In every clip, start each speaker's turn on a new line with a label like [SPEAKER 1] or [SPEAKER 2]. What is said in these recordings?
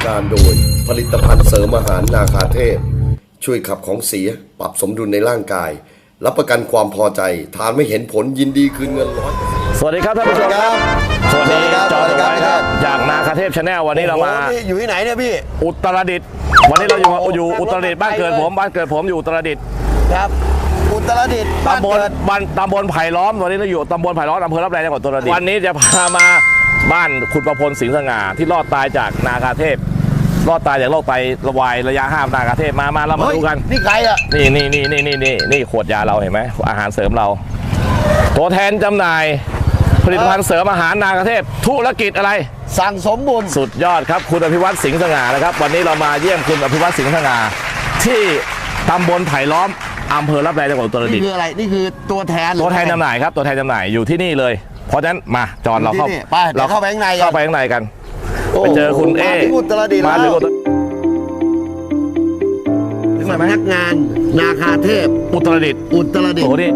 [SPEAKER 1] การโดยผลิตภัณฑ์เสริมอาหารนาคาเทพช่วยขับของเสียปรับสมดุลในร่างกายรับประกันความพอใจทานไม่เห็นผลยินดีคืนเงิน100%
[SPEAKER 2] สวัสดีครับท่านผู้ชมครับสวัสดีจอห์นไว้ครับจากนาคาเทพชาแนลวันนี้เรามา
[SPEAKER 3] อยู่ที่ไหนเนี่ยพี่
[SPEAKER 2] อุตรดิตถ์วันนี้เราอยู่อุตรดิตถ์บ้านเกิดผมอยู่อุตรดิตถ์
[SPEAKER 3] ครับอุตรดิตถ์
[SPEAKER 2] ตำบลไผ่ล้อมวันนี้เราอยู่ตำบลไผ่ล้อมอำเภอรับแลจังหวัดอุตรดิตถ์วันนี้จะพามาบ้านคุณประพลสิงห์สง่าที่รอดตายจากนาคาเทพรอดตายจากโรคไตวายระยะ5นาคาเทพมาเรามาดูกัน
[SPEAKER 3] นี่ใครอ่ะ
[SPEAKER 2] นี่ขวดยาเราเห็นไหมอาหารเสริมเราตัวแทนจำหน่ายผลิตภัณฑ์เสริมอาหารนาคาเทพธุรกิจอะไร
[SPEAKER 3] สั่งสมบุญ
[SPEAKER 2] สุดยอดครับคุณอภิวัตสิงห์สง่านะครับวันนี้เรามาเยี่ยมคุณอภิวัตสิงห์สง่าที่ตำบลไผ่ล้อมอำเภอรับแลจังหวัดอุตรดิตถ์
[SPEAKER 3] นี่คืออะไรนี่คือตัวแทน
[SPEAKER 2] จำหน่ายครับตัวแทนจำหน่ายอยู่ที่นี่เลยเพราะฉะนั้นมาจอนเราเข้า
[SPEAKER 3] ไปข้างใน
[SPEAKER 2] กันไปเจอคุณเอ
[SPEAKER 3] มาถึงสำนักงานนาคาเทพ
[SPEAKER 2] อุตรดิตถ์โอ้นี่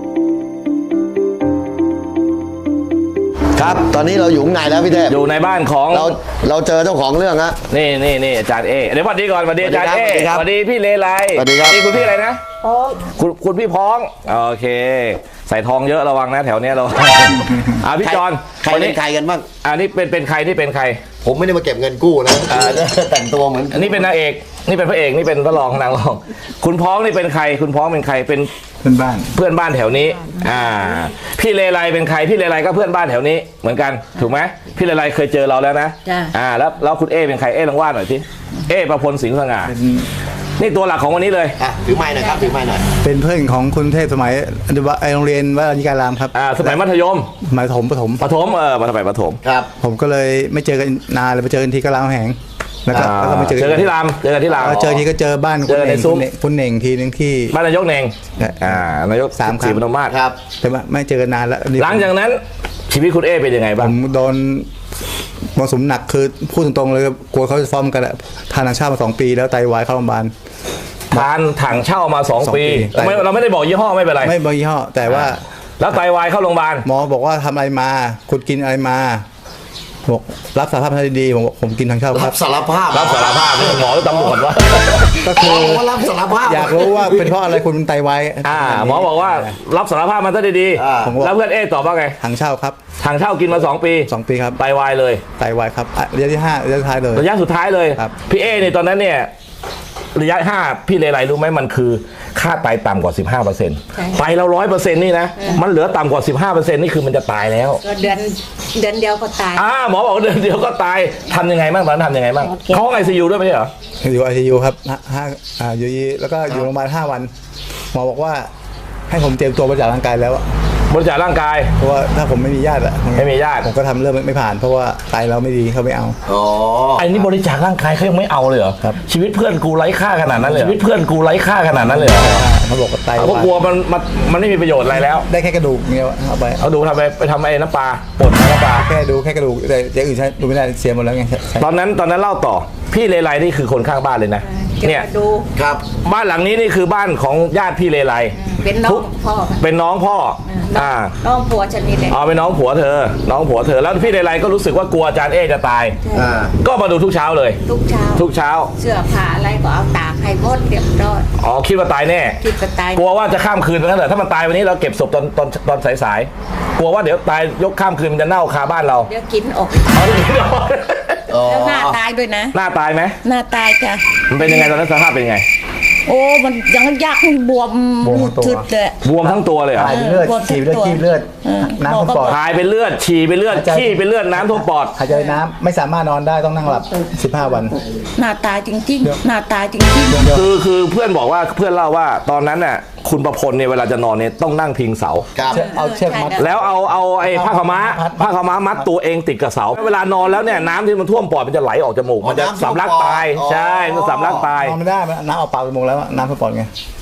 [SPEAKER 3] ครับตอนนี้เราอยู่ข้างในแล้วพี่เทพ
[SPEAKER 2] อยู่ในบ้านของ
[SPEAKER 3] เราเจอเจ้าของเรื่องฮะ
[SPEAKER 2] นี่อาจารย์เอเดี๋ยวสวัสดีก่อนสวัสดีอาจารย์เอสวัสดีพี่เลไล
[SPEAKER 3] สวัสดีครับ
[SPEAKER 2] นี่คุณพี่อะไรนะคุณพี่พ้องโอเคใส่ทองเยอะระวังนะแถวเนี้ยเราพี่จอน
[SPEAKER 3] ใครเป็นใครกันบ้าง
[SPEAKER 2] นี่เป็นใครนี่เป็นใคร
[SPEAKER 3] ผมไม่ได้มาเก็บเงินกู้นะแต่งตัวเหมือน
[SPEAKER 2] อันนี้เป็นนางเอกนี่เป็นพระเอกนี่เป็นพระรองนางรองคุณพ้องนี่เป็นใครคุณพ้องเป็นใครเป็น
[SPEAKER 4] เพื่อนบ้าน
[SPEAKER 2] แถวนี้พี่เลไลเป็นใครพี่เลไลก็เพื่อนบ้านแถวนี้เหมือนกันถูกไหมพี่เลไลเคยเจอเราแล้วนะแล้วคุณเอเป็นใครเอลองว่าหน่อยสิเอประพลสิงห์สง่านี่ตัวหลักของวันนี้เลย
[SPEAKER 3] ถือไม้หน่อยครับถือไม้หน่อย
[SPEAKER 4] เป็นเพื่อนของคุณเทพสมัยโรงเรียนวัดอญการามครับ
[SPEAKER 2] สมัยมัธยม
[SPEAKER 4] ประถม
[SPEAKER 2] มาสมัยประถม
[SPEAKER 3] ครับ
[SPEAKER 4] ผมก็เลยไม่เจอกันนานเลยไปเจอกันทีก็รามแหงแล้วก็ไม่เจอ
[SPEAKER 2] กันที่รามเจอ
[SPEAKER 4] ทีก็เจอบ้านคุณเน่งทีนึงที่
[SPEAKER 2] บ้านนายกเน่งนายก
[SPEAKER 4] 3 ครั้ง
[SPEAKER 2] ศรีปทุมมาศ
[SPEAKER 4] ครับแต่ว่าไม่เจอกันนานแล้ว
[SPEAKER 2] หลังจากนั้นชีวิตคุณเอเป็นยังไงบ้าง
[SPEAKER 4] ผมโดนมรสุมหนักคือพูดตรงๆเลยกลัวเขาจะฟ้องกันทานทางชาติมา2 ปีแล้วไตวายเข้าโรงพยาบาล
[SPEAKER 2] ทานถังเช่ามา2 ปีเราไม่ได้บอกยี่ห้อไม่เป็นไร
[SPEAKER 4] ไม่บอกยี่ห้อแต่ว่า
[SPEAKER 2] แล้วไตวายเข้าโรงพยาบาล
[SPEAKER 4] หมอบอกว่าทำอะไรมาคุณกินอะไรมาบอกรับสารภาพทันทีผมกินทางเช่า
[SPEAKER 3] รับสารภาพ
[SPEAKER 2] หมอหรือตำรวจวะ
[SPEAKER 4] ก็คือ
[SPEAKER 3] รับสารภาพ
[SPEAKER 4] อยากรู้ว่าเป็นเพราะอะไรคุณไตวาย
[SPEAKER 2] หมอบอกว่ารับสารภาพมันทันทีแล้วเพื่อนเอตอบว่าไง
[SPEAKER 4] ทางเช่าครับ
[SPEAKER 2] ทางเช่ากินมา2 ปี
[SPEAKER 4] ครับ
[SPEAKER 2] ไตวายเลย
[SPEAKER 4] ไตวายครับระยะที่5ระยะสุดท้ายเลย
[SPEAKER 2] ระยะสุดท้ายเลยพี่เอเนี่ยตอนนั้นเนี่ยระยะ5พี่เลไลรู้ไหมมันคือค่าไตต่ำกว่า 15%ไตเรา 100%นี่นะมันเหลือต่ำกว่า 15%นี่คือมันจะตายแล้ว
[SPEAKER 5] ก็เดือนเดียวก็ตาย
[SPEAKER 2] หมอบอกเดือนเดียวก็ตายทำยังไงบ้างตอนนั้นทำยังไงบ้างเขาไอซียูด้วยไหมเหรอ
[SPEAKER 4] อยู่ไอซียูครับอยู่แล้วก็อยู่โรงพยาบาล5 วันหมอบอกว่าให้ผมเตรียมตัวบริจาคร่างกายแล้ว
[SPEAKER 2] บริจาคร่างกาย
[SPEAKER 4] เพราะว่าถ้าผมไม่มีญาติผมก็ทำเรื่องไม่ผ่านเพราะว่าไตเราไม่ดีเขาไม่เอา
[SPEAKER 2] ไอ้นี่บริจาคร่างกายเขายังไม่เอาเลยเหรอ
[SPEAKER 4] ครับ
[SPEAKER 2] ชีวิตเพื่อนกูไร้ค่าขนาดนั้นเลย
[SPEAKER 4] เขาบอกว่าไต
[SPEAKER 2] เขากลัวมันไม่มีประโยชน์อะไรแล้ว
[SPEAKER 4] ได้แค่กระดูกเงี้ย
[SPEAKER 2] เอาดูไปทำไอ้น้ำปลาปนน้ำปลา
[SPEAKER 4] แค่กระดูกแต่อย่างอื่นใช้ดูไม่ได้เสียหมดแล้วไง
[SPEAKER 2] ตอนนั้นเล่าต่อพี่เลไลนี่คือคนข้างบ้านเลยนะเนี่ย
[SPEAKER 3] ครับ
[SPEAKER 2] บ้านหลังนี้นี่คือบ้านของญาติพี่เลไล
[SPEAKER 5] เป็นน้องพ่อ
[SPEAKER 2] น้อง
[SPEAKER 5] ผัวฉันนี่แหละ
[SPEAKER 2] เป็นน้องผัวเธอแล้วพี่เลไลก็รู้สึกว่ากลัวอาจารย์เอจะตายก็มาดูทุกเช้าเลยทุกเช้า
[SPEAKER 5] เสื้อผ้าอะไรก็เอาตากให้หมดเรียบร้อย
[SPEAKER 2] คิดว่าตายแน่กลัวว่าจะข้ามคืนไปนั่นแหละถ้ามันตายวันนี้เราเก็บศพตอนสายกลัวว่าเดี๋ยวตายยกข้ามคืนมันจะเน่าคาบ้านเรา
[SPEAKER 5] เดี๋ยวกินออกแล้วหน้าตายด้วยนะ
[SPEAKER 2] หน้าตายไหม
[SPEAKER 5] หน้าตายจ้ะ
[SPEAKER 2] มันเป็นยังไงตอนนั้นสภาพเป็นยังไง
[SPEAKER 5] มันยังยักษ์บวมทุดเลย
[SPEAKER 2] บวมทั้งตัวเลยเหรอ
[SPEAKER 4] ถ่ายเป็นเลือดฉี่เป็นเลือดน้ำท่วมปอด
[SPEAKER 2] ถ่ายเป็นเลือดฉี่เป็นเลือดขี้เป็นเลือดน้ำท่วมปอด
[SPEAKER 4] หายใจน้ำไม่สามารถนอนได้ต้องนั่งหลับ15 วัน
[SPEAKER 5] หน้าตายจริง
[SPEAKER 2] คือเพื่อนบอกว่าเพื่อนเล่าว่าตอนนั้นน่ะคุณประพลเนี่ยเวลาจะนอนเนี่ยต้องนั่งพิงเสา
[SPEAKER 4] เอาเชือกมัด
[SPEAKER 2] แล้วเอาไอ้ผ้าขม้ามัดตัวเองติดกับเสาเวลานอนแล้วเนี่ยน้ำที่มันท่วมปอดมันจะไหลออกจมูกมันจะสำลักตายใช่มันสำลักตาย
[SPEAKER 4] นอนไม่ได้น้ำเอาปากจมูกแล้วน้ำท่วมปอดไง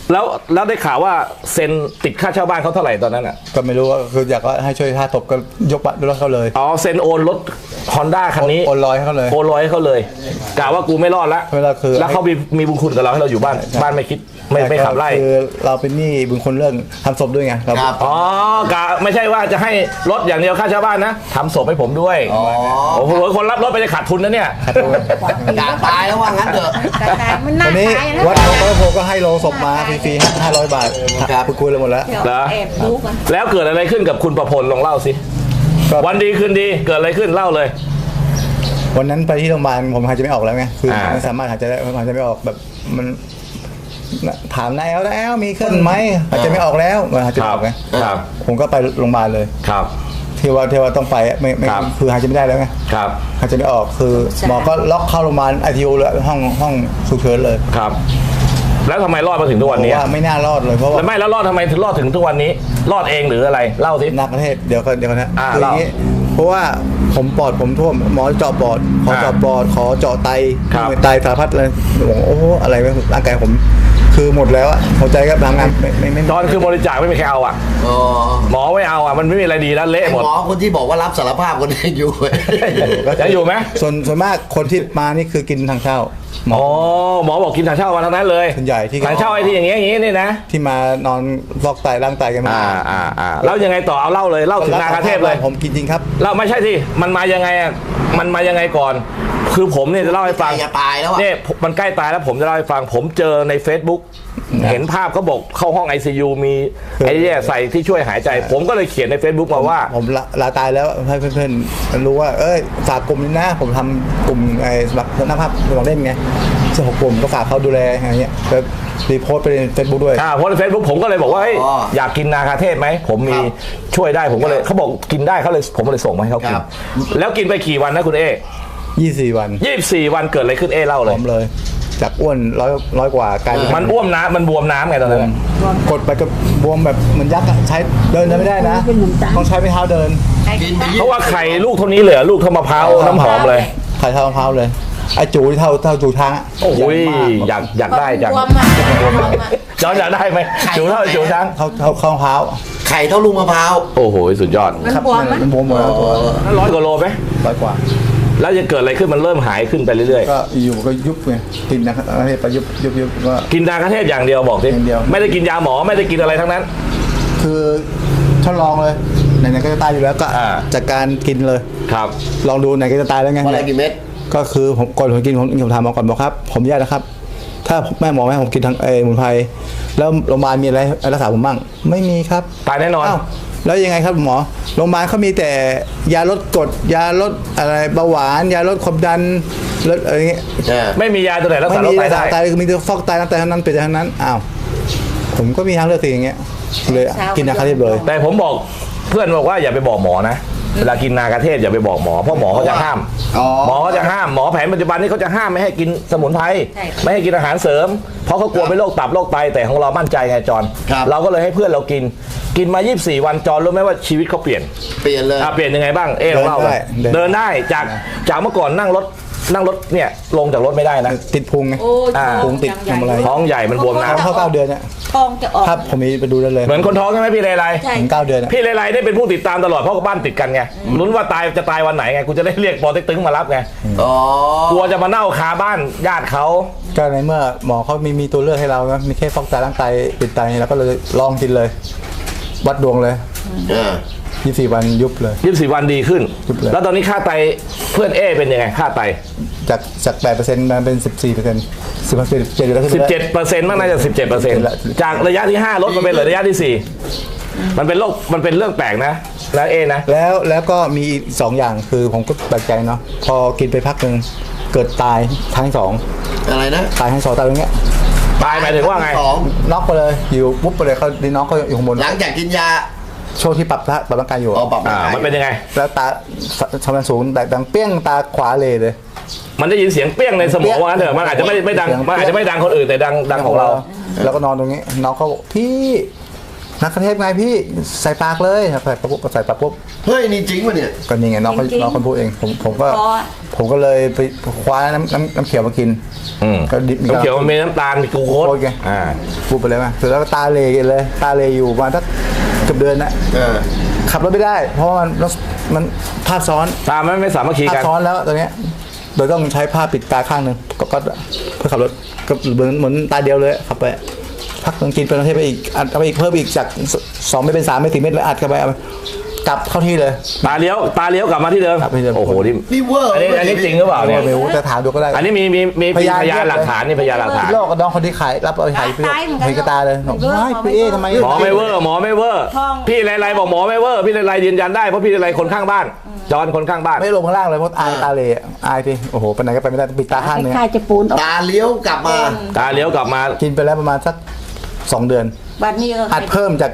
[SPEAKER 2] แล้วได้ข่าวว่าเซ็นติดค่าเช่าบ้านเขาเท่าไหร่ตอนนั้นอ่ะ
[SPEAKER 4] ก็ไม่รู้ว่าคืออยากให้ช่วยค่าตบก็ยกรถเขาเลย
[SPEAKER 2] อ๋อเซ็นโอนรถ Honda คันนี้
[SPEAKER 4] โอนลอยให้เขาเลย
[SPEAKER 2] โอนร้อยให้เขาเลยกะว่ากูไม่รอดละ
[SPEAKER 4] เวลาคือ
[SPEAKER 2] แล้วเขามีบุญคุณกับเราให้เราอยู่บ้านบ้านไม่คิดไม่ขับไล่
[SPEAKER 4] คือเราเป็นหนี้บุญคนเรื่องทำศพด้วยไงเรา
[SPEAKER 3] ครับ
[SPEAKER 2] อ๋อกะไม่ใช่ว่าจะให้รถอย่างเดียวค่าเช่าบ้านนะทำศพให้ผมด้วยโอ้โหคนรับรถไปจะขาดทุนนะเนี่ย
[SPEAKER 3] อยากตายแล้วว่างั้นเถอะ
[SPEAKER 5] แต่มันน่า
[SPEAKER 4] วันนี้
[SPEAKER 5] ตายนะ
[SPEAKER 4] วัดหลวงพ่อโพก็ให้โลงศพมาฟรีๆ500 บาท
[SPEAKER 3] ครับ
[SPEAKER 4] คุยเลยหมดแล้ว
[SPEAKER 5] เดี๋ยว
[SPEAKER 2] เหรอ
[SPEAKER 5] แอบดูกัน
[SPEAKER 2] แล้วเกิดอะไรขึ้นกับคุณประพลลองเล่าสิ
[SPEAKER 4] ก็
[SPEAKER 2] วันดีคืนดีเกิดอะไรขึ้นเล่าเลย
[SPEAKER 4] วันนั้นไปที่โรงพยาบาลผมหายใจไม่ออกแล้วไงคือ
[SPEAKER 2] อ่า
[SPEAKER 4] ไม่สามารถหายใจได้หายใจไม่ออกแบบมันถามนายแล้วมีขึ้นไหมหายใจไม่ออกแล้วหายใจไม่ออกไง
[SPEAKER 2] ครับ
[SPEAKER 4] ผมก็ไปโรงพยาบาลเลย
[SPEAKER 2] ครับ
[SPEAKER 4] ที่ว่าต้องไปไม่
[SPEAKER 2] ครับ
[SPEAKER 4] คือหายใจไม่ได้แล้วไง
[SPEAKER 2] ครับ
[SPEAKER 4] หายใจไม่ออกคือหมอก็ล็อกเข้าโรงพยาบาลICUเลยห้องฉุกเฉินเลย
[SPEAKER 2] ครับ แล้วทำไมรอดมาถึงทุกวันนี้
[SPEAKER 4] บอกว่าไม่น่ารอดเลยเพราะว่า
[SPEAKER 2] แล้วไม่แล้วรอดทำไมถึงรอดถึงทุกวันนี้ รอดเองหรืออะไรเล่าสิ
[SPEAKER 4] นักประเทศเดี๋ยวกันนะ
[SPEAKER 2] อ่า
[SPEAKER 4] คืออย่างนี้เพราะว่าผมปอดผมท่วมหมอเจาะปอดขอเจาะปอดขอเจาะไต
[SPEAKER 2] ครับ
[SPEAKER 4] ไตสารพัดเลยผมโอ้โหอะไรวะร่างกายผมคือหมดแล้วอะหัวใจก็ทำงานไม่
[SPEAKER 2] ตอนคือบริจาคไม่มีใครเอาอ่ะ
[SPEAKER 3] อ๋อ
[SPEAKER 2] หมอไม่เอาอ่ะมันไม่มีอะไรดีแล้วเละ
[SPEAKER 3] ไอ้
[SPEAKER 2] หมด
[SPEAKER 3] หมอคนที่บอกว่ารับสารภาพคนนี้อยู่
[SPEAKER 2] ยังอยู่ไหม
[SPEAKER 4] ส่วนมากคนที่มานี่คือกินทางเช่าหมอ
[SPEAKER 2] อ๋อหมอบอกกินถังเช่ามาทั้งนั้นเลย
[SPEAKER 4] ส่วนใหญ่ที่
[SPEAKER 2] ถังเช่าไอ้ที่อย่างเงี้ยนี่นะ
[SPEAKER 4] ที่มานอนฟอกไตร่างไตกันมา
[SPEAKER 2] แล้วยังไงต่อเอาเล่าเลยเล่าถึงนาคาเทพเลย
[SPEAKER 4] ผมกินจริงครับ
[SPEAKER 2] เล่าไม่ใช่ที่มันมายังไงอ่ะมันมายังไงก่อน คือผมเนี่ยจะเล่าให้ฟัง
[SPEAKER 3] จะตายแล้วอะ
[SPEAKER 2] เนี่ยมันใกล้ตายแล้วผมจะเล่าให้ฟัง ผมเจอใน Facebook เห็นภาพเขาบอกเข้าห้อง ICU มีไอ้เนี่ยใส่ที่ช่วยหายใจ ผมก็เลยเขียนใน Facebook มาว่า
[SPEAKER 4] ผมลาตายแล้วให้เพื่อนๆรู้ว่าฝากกลุ่มนี้นะผมทำกลุ่มไอ้สำหรับนักภาพสมองเล่นไงเจ้าของกลุ่มก็ฝากเขาดูแลอะไรเงี้ยก็รีโพสต์ไปในเฟซบุ๊กด้วย
[SPEAKER 2] เพราะใน Facebook ผมก็เลยบอกว่าเฮ้ย
[SPEAKER 3] อ๋อ
[SPEAKER 2] อยากกินนาคาเทพไหมผมมี
[SPEAKER 3] ครับ
[SPEAKER 2] ช่วยได้ผมก็เลยเขาบอกกินได้เขาเลยผมก็เลยส่งมาให้เขากิน
[SPEAKER 3] ครับ
[SPEAKER 2] แล้วกินไปกี่วันนะคุณเอ
[SPEAKER 4] 24 วัน
[SPEAKER 2] 24 วันเกิดอะไรขึ้นเอเล่า
[SPEAKER 4] ผ
[SPEAKER 2] เลย
[SPEAKER 4] อมเลย จากอ้วนร้อยกว่ากลายเป็น
[SPEAKER 2] มันอ้วมน้ำมันบวมน้ำไงตอนนั้นอะ
[SPEAKER 4] กดไปก็บวมแบบเหมือนยักษ์อะใช้เดินไม่ได้นะ ต้องใช้ไม้เท้าเดิน
[SPEAKER 3] กินไป
[SPEAKER 2] เพราะว่าไข่ลูกเท่านี้เลยอะลูกเท่ามะพร้าวน้ำหอมเลย
[SPEAKER 4] ไข่เท้ามะพร้าวเลยไอ้จูที่เท่าจูทางอะ
[SPEAKER 2] โอ้ย
[SPEAKER 4] ใหญ่มาก
[SPEAKER 2] อยากได้จัง
[SPEAKER 5] บวมอะบวมอะ
[SPEAKER 2] จอนอยากได้ไหมจูเท่าจูช้าง
[SPEAKER 4] เข้ามะพร้าว
[SPEAKER 3] ไข่เท่าลูกมะพร้าว
[SPEAKER 2] โอ้โหสุดยอด
[SPEAKER 5] มันบวมไหม
[SPEAKER 4] มันบวมหมดแล้วตัว
[SPEAKER 2] แล้ว100 กว่าโลไหม
[SPEAKER 4] ร้อยกว่า
[SPEAKER 2] แล้วจะเกิดอะไรขึ้นมันเริ่มหายขึ้นไปเรื่อย
[SPEAKER 4] ก็อยู่ก็ยุบไงกินนะครับอะไรไปยุบก็
[SPEAKER 2] ๆ กินดาคาเทพอย่างเดียวบอกสิ
[SPEAKER 4] อย่างเดียว
[SPEAKER 2] ไม่ได้กินยาหมอไม่ได้กินอะไรทั้งนั้น
[SPEAKER 4] คือทดลองเลยไหนๆก็จะตายอยู่แล้วก็
[SPEAKER 2] อ่า
[SPEAKER 4] จากการกินเลย
[SPEAKER 2] ครับ
[SPEAKER 4] ลองดูไหนก็จะตายแล้วไง
[SPEAKER 3] วันละกี่เม็ด
[SPEAKER 4] ก็คือผมก่อนผมกินผมถามหมอก่อนบอกครับ ผมแยกนะครับ ถ้าแม่หมอไม่ให้ผมกินทางสมุนไพรแล้วโรงพยาบาลมีอะไรรักษาผมบ้างไม่มีครับ
[SPEAKER 2] ตายแน่นอน
[SPEAKER 4] อ้าวแล้วยังไงครับหมอโรงพยาบาลเขามีแต่ยาลดกรดยาลดอะไรเบาหวานยาลดความดันลดอะไรเงี้ย
[SPEAKER 2] ไม่มียาตัวไหนรัก
[SPEAKER 4] ไม่
[SPEAKER 2] ษาโร
[SPEAKER 4] มี
[SPEAKER 2] คไต
[SPEAKER 4] รักษา
[SPEAKER 2] ได้
[SPEAKER 4] ไตคือมีแต่ฟอกไตน้ำไตเท่านั้นเป็นเท่านั้นอ้าวผมก็มีทางเลือกสิอย่างเงี้ยเลยกินยาคาเทพเลย
[SPEAKER 2] แต่ผมบอกเพื่อนบอกว่าอย่าไปบอกหมอนะเวลากินนาคาเทพอย่าไปบอกหมอเพราะหมอเขาจะห้าม
[SPEAKER 3] อ๋อ
[SPEAKER 2] หมอเขาจะห้ามหมอแผนปัจจุบันนี้เขาจะห้ามไม่ให้กินสมุนไพรไม่ให้กินอาหารเสริม เพราะเขากลัวเป็นโรคตับโรคไตแต่ของเรามั่นใจไงจอน
[SPEAKER 3] ครับ
[SPEAKER 2] เราก็เลยให้เพื่อนเรากินมา 24 วันจอนรู้ไหมว่าชีวิตเขาเปลี่ยน
[SPEAKER 3] เปลี่ยนเลย
[SPEAKER 2] เปลี่ยนยังไงบ้างเอ๊ะลองเล่าเลยเดินได้จากเมื่อก่อนนั่งรถเนี่ยลงจากรถไม่ได้นะ
[SPEAKER 4] ติดพุงไง
[SPEAKER 5] โอ้ย
[SPEAKER 4] พุงติดทำอะไร
[SPEAKER 2] ท้องใหญ่มันบวมน้
[SPEAKER 4] เข้า9 เดือนเนี่ย
[SPEAKER 5] ท้องจะออก
[SPEAKER 4] ครับผมมีไปดูได้เลย
[SPEAKER 2] ำเหมือนคนท้องใช่ไหมพี่เลไล
[SPEAKER 5] ใช่
[SPEAKER 4] ถึง9 เดือนเนี่ย
[SPEAKER 2] พี่เลไลได้เป็นผู้ติดตามตลอดเพราะบ้านติดกันไงลุ้นว่าจะตายวันไหนไงกูจะได้เรียกปอเต็กตึงมารับไง
[SPEAKER 3] อ๋อก
[SPEAKER 2] ลัวจะมาเน่าคาบ้านญาติเขา
[SPEAKER 4] ก็ในเมื่อหมอเขามีตัวเลือกให้เรานะมีแค่ฟอกไตร่างไตปิดไตแล้วก็เลยลองกินเลย วัดดวงเลย 24 วันยุบเลย
[SPEAKER 2] 24 วันดีขึ้น
[SPEAKER 4] ยุบเลย
[SPEAKER 2] แล้วตอนนี้ค่าไตเพื่อนเอเป็นยังไงค่าไต
[SPEAKER 4] จาก 8%มาเป็น 14% 17แล้วขึ้นไปแล้ว
[SPEAKER 2] 17%มากน่าจะ 17%จากระยะที่ 5 ลดมาเป็นเหลือระยะที่ 4 มันเป็นเรื่องแปลกนะเอนะ
[SPEAKER 4] แล้วก็มีอีก2อย่างคือผมก็แปลกใจเนาะพอกินไปพักหนึ่งเกิดตายทั้งสอง
[SPEAKER 3] อะไรนะ
[SPEAKER 4] ตายทั้งสองตายอย่างเงี้ย
[SPEAKER 2] ตายหมายถึงว่าไง
[SPEAKER 3] สอง
[SPEAKER 4] น็อกไปเลยอยู่ปุ๊บไปเลยเขาดีน้องเขาอยู่ข้างบน
[SPEAKER 3] หลังจากกินยา
[SPEAKER 4] ช่วงที่ปรับร่างกายอยู่
[SPEAKER 3] อ๋อปรับร่างกาย
[SPEAKER 2] มันเป็นยังไง
[SPEAKER 4] แล้วตาชำนาญสูงแต่ดังเปี้ยงตาขวาเลย
[SPEAKER 2] มันได้ยินเสียงเปี้ยงในสมองว่างั้นเถอะมันอาจจะไม่ดังมันอาจจะไม่ดังคนอื่นแต่ดังของเรา
[SPEAKER 4] แล้วก็นอนตรงนี้น้องเขาบอกพี่นักเทพไงพี่ใส่ปากเลยใส่ปากปุ๊บ
[SPEAKER 3] เฮ้ยนี่จริงป่ะเนี่ย
[SPEAKER 4] ก็นี่ไงน้องคนพูดเองผมก็เลยไปคว้าน้ำเขียวมากินก็ดิบ
[SPEAKER 2] น้ำเขียวมันมีน้ำตาลมีกลูโคส
[SPEAKER 4] ไงพูดไปเลยมั้ยเสร็จแล้วก็ตาเลอยู่ประมาณสักเกือบเดือนนะขับรถไม่ได้เพราะว่ามันภาพซ้อน
[SPEAKER 2] ตาไม่สามัคคี
[SPEAKER 4] ภา
[SPEAKER 2] กัน
[SPEAKER 4] พซ้อนแล้วตอนเนี้ยโดยต้องใช้ผ้าปิดตาข้างหนึ่งก็เพื่อขับรถก็เหมือนตาเดียวเลยขับไปพักต้องกินเป็นประเทศไปอีกอัดเข้าไปอีกเพิ่มอีกจาก2ไม่เป็น3ไม่ถึงเม็ดเลยอัดเข้าไปกลับเข้าที่เลย
[SPEAKER 2] ตาเลี้ยวกลับมาที่เดิม
[SPEAKER 4] กลับไปที่เดิม
[SPEAKER 2] โอ้โหนี่
[SPEAKER 3] เวอร์
[SPEAKER 2] อันนี้จริงหรือเปล่าเนี่ย
[SPEAKER 4] ไม่รู้แต่ถามดูก็ได้
[SPEAKER 2] อันนี้มีพยานหลักฐานนี่พยานหลักฐาน
[SPEAKER 4] โลกกับน้องคนที่ขายรับเอาไปขายเห็นกระตาเลยบอกไม่พี่เอ๊ทำไม
[SPEAKER 2] หมอไม่เวอร์พี่ไรบอกหมอไม่เวอร์พี่ไรยืนยันได้เพราะพี่ไรคนข้างบ้านจอนคนข้างบ้าน
[SPEAKER 4] ไม่ลงข้างล่างเลยเพราะอายตาเลอายพี่โอ้โหไปไหนก็ไปไม่ได้ปิดตาข้างนึง
[SPEAKER 5] คล้ายๆจะปูนออก
[SPEAKER 3] ตาเลี้ยวกลับมา
[SPEAKER 2] ตาเลี้ยวกลับมา
[SPEAKER 4] กินไปแล้วประมาณสัก2 เดือน
[SPEAKER 5] บัดนี้ก็
[SPEAKER 4] อัดเพิ่มจาก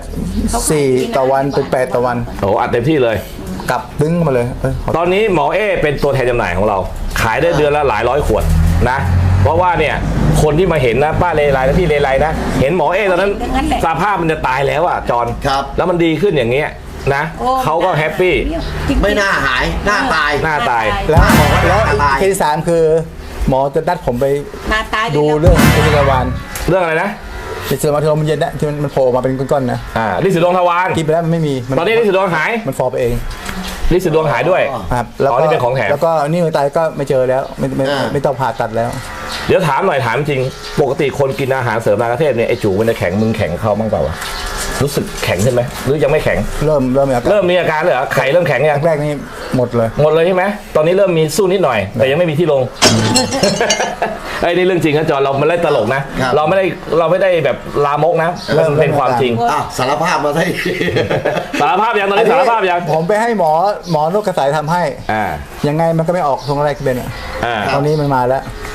[SPEAKER 4] 4ต่อวันเป็น8ต่อวัน
[SPEAKER 2] โอ้อัดเต็มที่เลย
[SPEAKER 4] กลับดึงมาเลย
[SPEAKER 2] ตอนนี้หมอเอเป็นตัวแทนจำหน่ายของเรา ขายได้เดือนละหลายร้อยขวดนะ เพราะว่าเนี่ยคนที่มาเห็นนะป้าเลไลและพี่เลไลนะเห็นหมอเอตอนนั้นสภาพมันจะตายแล้วอ่ะจอน
[SPEAKER 3] ครับ
[SPEAKER 2] แล้วมันดีขึ้นอย่างเงี้ยนะเขาก็แฮปปี้
[SPEAKER 3] ไม่น่าหายหน้าตาย
[SPEAKER 2] หน้าตาย
[SPEAKER 4] แล้วเคสที่3คือหมอจะนัดผมไป
[SPEAKER 5] มาตาย
[SPEAKER 4] ดูเรื่องเป็นจักรวาล
[SPEAKER 2] เรื่องอะไรนะ
[SPEAKER 4] เป็นจักรวาลที่มันเย็นนะที่มันโผล่ออกมาเป็นก้อนๆนะ
[SPEAKER 2] ลิสิดวงทวาร
[SPEAKER 4] กินไปแล้วมันไม่มี
[SPEAKER 2] ตอนนี้ลิสิดวงหาย
[SPEAKER 4] มันฟอไปเอง
[SPEAKER 2] ลิสิดวงหายด้วย
[SPEAKER 4] ครับ
[SPEAKER 2] อ๋อนี่เป็นของแถม
[SPEAKER 4] แล้วก็นี่มือตายก็ไม่เจอแล้วไม่ต้องผ่าตัดแล้ว
[SPEAKER 2] เดี๋ยวถามหน่อยถามจริงปกติคนกินอาหารเสริมนากเทศเนี่ยไอจูมันจะแข็งมึงแข็งเข้าบ้างเปล่าวะรู้สึกแข็งขึ้นไหมหรือยังไม่แข็ง
[SPEAKER 4] เริ่มมีอาการ
[SPEAKER 2] เริ่มมีอาการเลยเหรอไข่เริ่มแข็งยัง
[SPEAKER 4] แรกๆนี่หมดเลย
[SPEAKER 2] หมดเลยใช่ไหมตอนนี้เริ่มมีสู้นิดหน่อย แต่ยังไม่มีที่ลง ไอ้นี่เรื่องจริงนะจอนเราไม่ได้ตลกนะ เราไม่ได้แบบลามกนะมันเป็นความจริง
[SPEAKER 3] อ้าวสารภาพมาได้
[SPEAKER 2] สารภาพยังตอนนี้สารภาพยัง
[SPEAKER 4] ผมไปให้หมอนกกระสายทำให้ ยังไงมันก็ไม่ออกตรงแรกเป็นอ่ะตอนนี้มันมาแล้ว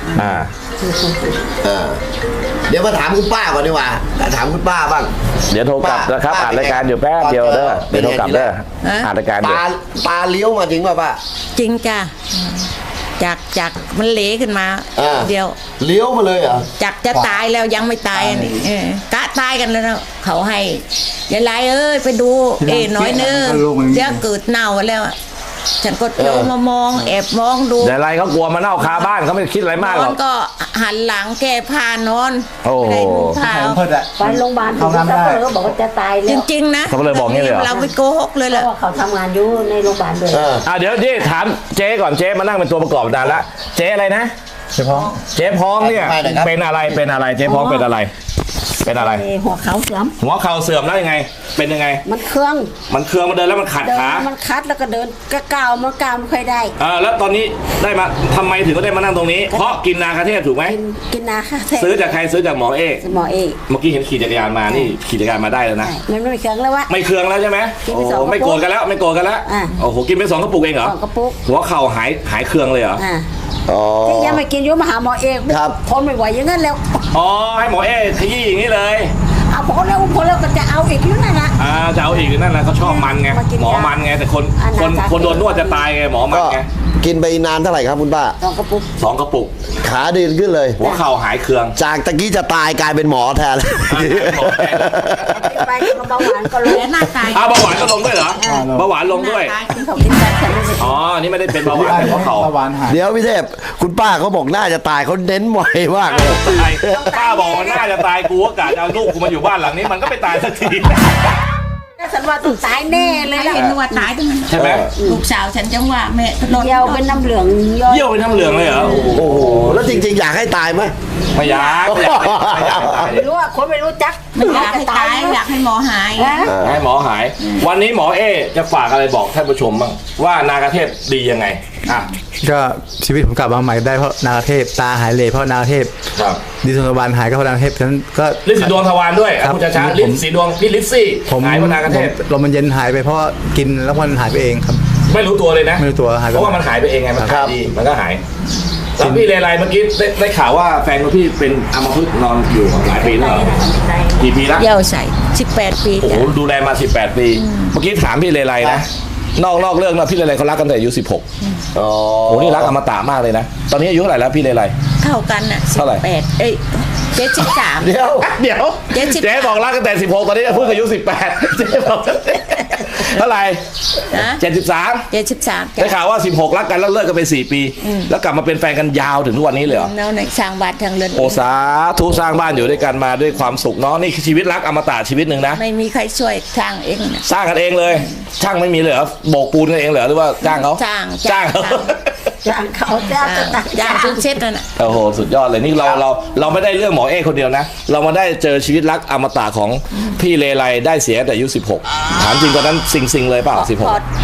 [SPEAKER 3] เดี๋ยวมาถามคุณป้าก่อนดีกว่าถามคุณป้าบ้าง
[SPEAKER 2] เดี๋ยวโทรกลับนะครับอ่านรายการอยู่แป๊บเดียวเด้อเดี๋ยวโทรกลับเด้ออ่านรายการอยู่
[SPEAKER 3] ตาเลี้ยวมาจริงป่ะป้า
[SPEAKER 5] จริงจ้ะจากมันเหลขึ้นมาเดียว
[SPEAKER 3] เลี้ยวมาเลยเหรอ
[SPEAKER 5] จากจะตายแล้วยังไม่ตายอันนี้กะตายกันแล้วนะเขาให้ยายไลเอ้ยไปดูน้อยนึงเดี๋ยวเกิดเน่าแล้วฉันก็ลงมามองแอบมองดู
[SPEAKER 2] แต่ไรเขากลัวมาเน่าคาบ้านเขาไม่คิดอะไรมากหร
[SPEAKER 5] น
[SPEAKER 2] อ
[SPEAKER 5] อก นก็หันหลังแก้ผ้านอน
[SPEAKER 2] โอ้
[SPEAKER 5] ไม่ได้นุ่งผ้า
[SPEAKER 4] เพิ่นอะ
[SPEAKER 6] ไปโรงพยาบาล
[SPEAKER 4] เอาน้ำได้
[SPEAKER 6] เขาบอกว่าจะตาย
[SPEAKER 5] จ
[SPEAKER 6] แล้ว
[SPEAKER 5] ริงๆนะ
[SPEAKER 2] เขาเลยบอกงี้เลยเหรอ
[SPEAKER 5] เราไปโกหกเลย
[SPEAKER 6] เพ
[SPEAKER 5] แหละ
[SPEAKER 6] ราะว่าเขาทำงานอยู่ในโรงพยาบาลด้วย
[SPEAKER 2] เดี๋ยวนี่ถามเจ๊ก่อนเจ๊มานั่งเป็นตัวประกอบนานละเจ๊อะไรนะ
[SPEAKER 4] เฉพาะ
[SPEAKER 2] เจ๊พ้องเนี่ยเป็นอะไรเจ๊พ้องเป็นอะไร
[SPEAKER 6] หัวเขาเสื่อม
[SPEAKER 2] หัวเข่าเสื่อมแล้วยังไง เป็นยังไง
[SPEAKER 6] มันเครื่อง
[SPEAKER 2] มันเคืองมันเดินแล้วมันขัด
[SPEAKER 6] เดิน
[SPEAKER 2] ขา
[SPEAKER 6] มันคัดแล้วก็เดินก็ก้าวมันก้าวไม่ค่อยได้
[SPEAKER 2] แล้วตอนนี้ได้มาทำไมถึงก็ได้มานั่งตรงนี้ เพราะกินนาคาเทพถูกไหม
[SPEAKER 6] กินนาค่ะ
[SPEAKER 2] ซื้อจากใครซื้อจากหมอเอก
[SPEAKER 6] หมอเอก
[SPEAKER 2] เมื่อกี้เห็นขี่จักรยานมานี่ขี่จักรยานมาได้แล้วนะ
[SPEAKER 6] มันไม่มีเครื่องแล้ววะ
[SPEAKER 2] ไม่เคืองแล้วใช่ไหม
[SPEAKER 6] กิน
[SPEAKER 2] โอ้
[SPEAKER 6] ไปสองกระปุก
[SPEAKER 2] ไม่โกรธกันแล้วโอ้โหกินไป2 กระปุกเองเหรอ
[SPEAKER 6] 2 กระปุก
[SPEAKER 2] หัวเข่าหายเคืองเลยเหรอ
[SPEAKER 6] ที่ยังไม่กินอยู่มาหาหมอเอก
[SPEAKER 3] ครับ
[SPEAKER 6] ทนไม่ไหวอย่างนั้นแล้ว
[SPEAKER 2] อ๋อให้หมอเอกขยี้อย่างนี้เลย
[SPEAKER 6] เอาพอแล้วก็จะเอาอีกอยู่นั่นนะ
[SPEAKER 2] จะเอาอีกนั่นแหละเขาชอบมันไง
[SPEAKER 6] มากิน
[SPEAKER 2] หมอมันไงแต่คนโดนนวดจะตายไงหมอมัน
[SPEAKER 3] ก็
[SPEAKER 2] ไง
[SPEAKER 3] กินไปนานเท่าไหร่ครับคุณป้า
[SPEAKER 6] 2 กระปุก
[SPEAKER 2] 2 กระปุก
[SPEAKER 3] ขาดีขึ้นเลย
[SPEAKER 2] หัวเข่าหายเคือง
[SPEAKER 3] จากตะกี้จะตายกลายเป็นหมอแทน
[SPEAKER 6] ไปก็เบาหวานก็ล
[SPEAKER 5] แล้
[SPEAKER 6] ง
[SPEAKER 5] หน้าตาย
[SPEAKER 2] เบาหวานก็ลงด้วยเหรอเบาหวานลงด้วย
[SPEAKER 5] หน้าตาย
[SPEAKER 6] เขากินได้ฉันไม่ได้
[SPEAKER 2] อ๋อนี่ไม่ได้เป็นเบาหวานเป็นหัวเข่า
[SPEAKER 4] ตะวันหาย
[SPEAKER 3] เดี๋ยวพี่เทพคุณป้าเขาบอกน่าจะตายเขาเน้นไวมากเลย
[SPEAKER 2] ตายป้าบอกมันน่าจะตายกูก็กะจะเอาลูกกูมาอยู่บ้านหลังนี้มันก็ไม่ตายสักที
[SPEAKER 6] ฉันว่าต้องตายแน่เลยล่ะ
[SPEAKER 5] เห็นว่าตายตรงนั้น
[SPEAKER 2] ใช่ไหม
[SPEAKER 5] ลูกสาวฉันจังว่าแม่นอน
[SPEAKER 6] เยี่ยวเป็นน้ำเหลืองย่อย
[SPEAKER 2] เยี่ยวเป็นน้ำเหลืองเลยเหรอ
[SPEAKER 3] โอ้โหแล้วจริงๆ อยากให้ตายไหม
[SPEAKER 2] ไม่อยากตาย
[SPEAKER 6] ไม่รู้ว่าคนไม่รู้จัก
[SPEAKER 5] ไม่อยากให้ตายอยากให้หมอหาย
[SPEAKER 2] ให้หมอหาย วันนี้หมอเอจะฝากอะไรบอกท่านผู้ชมบ้างว่านากาเทพดียังไง
[SPEAKER 4] ก็ชีวิตผมกลับมาใหม่ได้เพราะนาคเทพตาหายเลยเพราะนาคเทพ
[SPEAKER 2] ครับ
[SPEAKER 4] ดิสโนบานหายก็เพราะนาคเทพฉะนั้นก็
[SPEAKER 2] ฤทธิ์สีดวงทวารด้วย
[SPEAKER 4] ครับ
[SPEAKER 2] คุณช้าๆฤทธิ์สีดวงพี่ฤทธิ์ซี่
[SPEAKER 4] ผม
[SPEAKER 2] หายเพราะนากาเทพ
[SPEAKER 4] ลมมันเย็นหายไปเพราะกินแล้วมันหายไปเองครับ
[SPEAKER 2] ไม่รู้ตัวเลยนะ
[SPEAKER 4] ไม่รู้ตัวหายไป
[SPEAKER 2] เพราะว่ามันหายไปเองไงมัน
[SPEAKER 3] ครั
[SPEAKER 2] หาย
[SPEAKER 3] บ
[SPEAKER 2] ดีมันก็หายแล้วพี่เลไลเมื่อกี้ได้ข่าวว่าแฟนของพี่เป็นอัมพฤกษ์นอนอยู่หลายปีแล้วเหรอกี่ปีแล้ว
[SPEAKER 5] เยี่ยวใส่18 ปี
[SPEAKER 2] โอ้โห
[SPEAKER 5] จ้ะ
[SPEAKER 2] ดูแลมา18 ปีเมื่อกี้ถามพี่เลไลนะนอกเรื่องนะพี่เลไลเขารักกันแต่อายุ16
[SPEAKER 3] อ๋อ
[SPEAKER 2] โอ้โหนี่รักอมตะมากเลยนะตอนนี้อายุเท่าไหร่แล้วพี่เลไล
[SPEAKER 5] เท่ากันน่ะ
[SPEAKER 2] เท่าไหร่
[SPEAKER 5] 18 73
[SPEAKER 3] เดี๋ยว
[SPEAKER 2] เดี๋ยว
[SPEAKER 5] 73
[SPEAKER 2] เจ๊บอกรักตั้งแต่ 16 ตอนนี้เพิ่งอายุ 18 เจ๊บอกเท่าไหร่
[SPEAKER 5] นะ
[SPEAKER 2] 73
[SPEAKER 5] 73
[SPEAKER 2] ได้ข่าวว่า 16 รักกันแล้วเลิกกันไป 4 ปี แล้วกลับมาเป็นแฟนกันยาวถึงทุกวันนี้เลยเหรอ
[SPEAKER 5] เราในสร้างบ้านทางเรือน
[SPEAKER 2] โอสาธุสร้างบ้านอยู่ด้วยกันมาด้วยความสุขเนาะนี่คือชีวิตรักอมตะชีวิตหนึ่งนะ
[SPEAKER 5] ไม่มีใครช่วยทางเองนะ
[SPEAKER 2] สร้างกันเองเลย ช่างไม่มีเลยเหรอโบกปูนกันเองเหรอหรือว่าจ้างเขา
[SPEAKER 5] จ้าง
[SPEAKER 2] เขา
[SPEAKER 6] จ้างเขาจ้างจะตัด
[SPEAKER 5] จ้างทุกเช็ดนั่นน่ะ
[SPEAKER 2] โอ้โหสุดยอดเลยนี่เราไม่ได้เรื่องหมอเอกคนเดียวนะ เรามาได้เจอชีวิตรักอมตะของพี่เลไลได้เสียแต่อายุ 16 ถามจริงตอนนั้นซิงเลยเปล่า
[SPEAKER 5] พอด